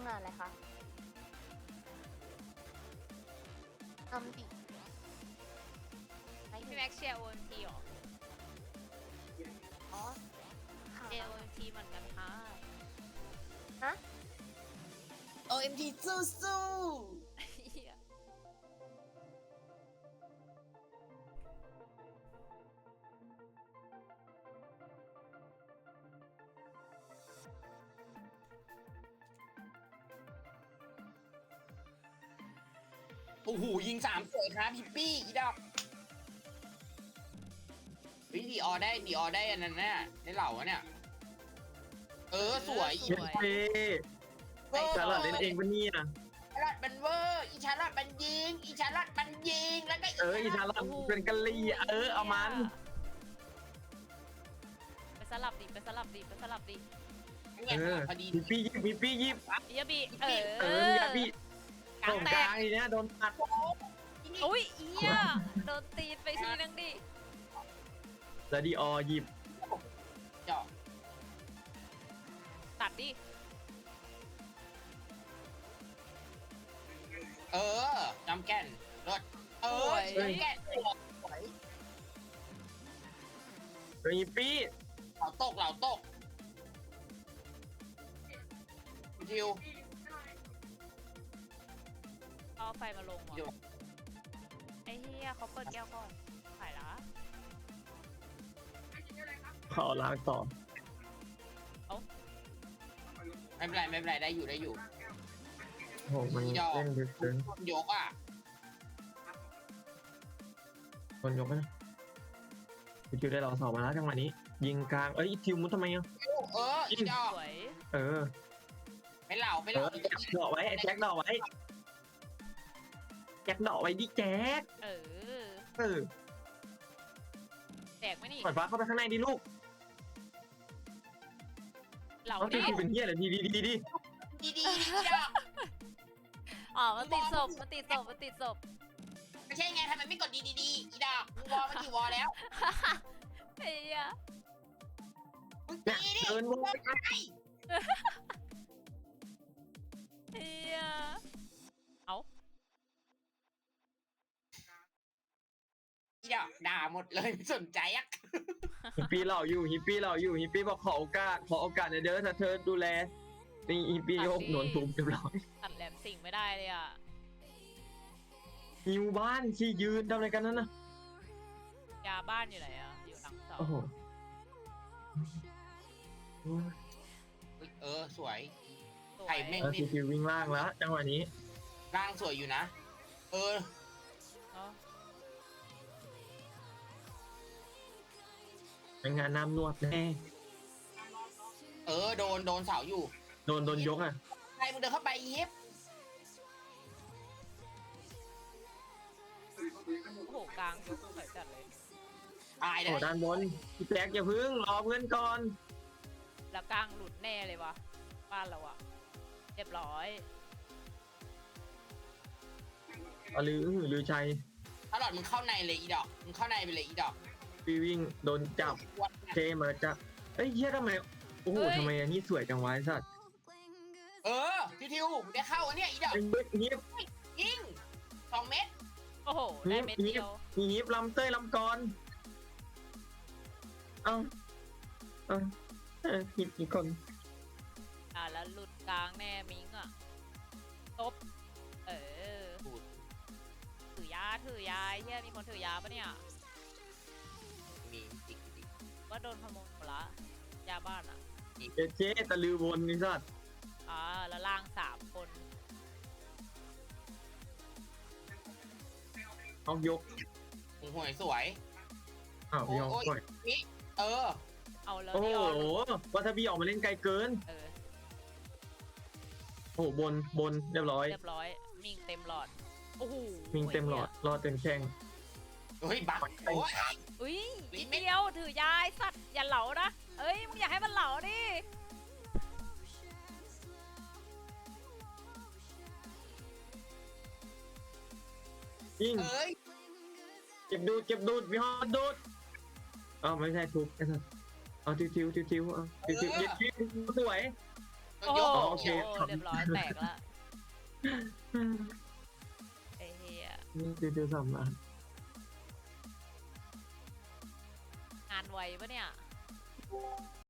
งานอะไรคะทำดิไม่พี่แม็กเชียร์ OMT หรออ๋อค่ะเชียร์ OMT เหมือนกันค่ะฮะ OMG สู้เหี้ยโอ้โหยิง3สวยครับพี่ปี้อีดอกวิดีออได้อันนั้นน่ะได้เหล่าอะเนี่ยสวยอีสวยชาร์ลอตเล่นเองปะเนี่ยชาร์ลอตมันเวอร์อีชาร์ลอตมันยิงอีชาร์ลอตมันยิงแล้วก็อีชาร์ลอตเป็นกะลีเอามันไปสลับดิไปสลับดิไปสลับดิเนี่ยพอดีพี่ปี้ยิบพี่ปี้ยิบเฮียบีมีพี่กลาส่งงแตกลาก งอีเนี่ยโดนตัดอุ้ยเฮียโดนตีนไปทีนึงดิแล้วดีออหยิบเจาะตัดดิจำแก่นรถจำแก่นสวยมีปี้เหล่าตกทิวเอาไฟมาลงเดี๋ยวว่ะไอ้เฮียเขาเปิดแก้วก่อนถ่ายละขอล้างต่อไม่เป็นไรได้อยู่โอ้มันเล่นลึกเกินยกอ่ะคนยกนะพี่ทิวได้รอสอบมาแล้วจังหวะนี้ ยิงกลางทิวมุดทำไมอ่ะอีดอกสวยไปเหล่าดอกไว้แจ็คดอกไว้แจ็คดอกไว้ดิแจ็คแตกไหมนี่ปล่อยฟ้าเข้าไปข้างในดิลูกเหล่าต้องดิทิวเป็นเฮียอะไรดีดีดอกอ๋อมันติดศพมันติดศพมันติดศพไม่ใช่ไงทำไมไม่กดดีอีดอกมึงวอลมากี่วอลแล้วเฮียมึงเนี่ยตีดิเดินวนไปเฮียเอาอีดอกด่าหมดเลยไม่สนใจอ่ะฮิปปี้เราอยู่ฮิปปี้บอกขอโอกาสเด้อถ้าเธอดูแลนี่ฮิปปี้โยกหนวนทุบเรียบร้อยตัดแหลมสิ่งไม่ได้เลยอ่ะหิวบ้านที่ยืนทำอะไรกันนั่นน่ะยาบ้านอยู่ไหนอ่ะอยู่หลังเสาโอ้โหสวยสวยไข่แม่งแล้วทีวิ่งล่างแล้วจังหวะนี้ร่างสวยอยู่นะเนอะเป็นงานน้ำนวดแน่โดนเสาอยู่โดนยกอ่ะใครมึงเดินเข้าไปยิบโอ้โหกลางยกสวยจัดเลยตายเลโอ้ยด้านบนพี่แจ็คอย่าพึ่งรอเพื่อนก่อนแล้วกลางหลุดแน่เลยวะบ้านเราอะเรียบร้อยลือชัยตลอดมึงเข้าในเลยอีดอกมึงเข้าในไปเลยอีดอกพี่วิ่งโดนจับเทมาจะเฮียทำไมโอ้โหทำไมอันนี้สวยจังวะไอ้สัตว์ทิวได้เข้าอันเนี้ยอีดอกฮิปยิง2 เม็ดโอ้โหได้เม็ดเดียวฮิปลำเต้ยลำกรเอาฮิปอีกคนแล้วหลุดกลางแน่มิงอะตบถือยาไอ้เฮียมีคนถือยาปะเนี่ยมีอีกว่าโดนขโมยหมดละยาบ้านอะเจ๊ตะลือวนนี่สัตว์แล้วล่าง3 คนเอายกห่วยสวยยกก่อนนี่เอาแล้วโอ้นี่โหออกวัตบีออกมาเล่นไกลเกินโอ้โหบนเรียบร้อยมิงเต็มหลอดโอ้โหมิงเต็มหลอดรอเต็มแข้งบักอุ้ยนิดเดียวถือยาไอ้สัตว์อย่าเหลานะมึงอย่าให้มันเหลาดิยิงเก็บดูดวิฮอดดูดไม่ใช่ทุบไอ้สัสทิวเย็ดสวยโอ้โหโอเคเรียบร้อยแตกละไอ้เหี้ยนี่ติวๆสามล้านงานไวปะเนี่ย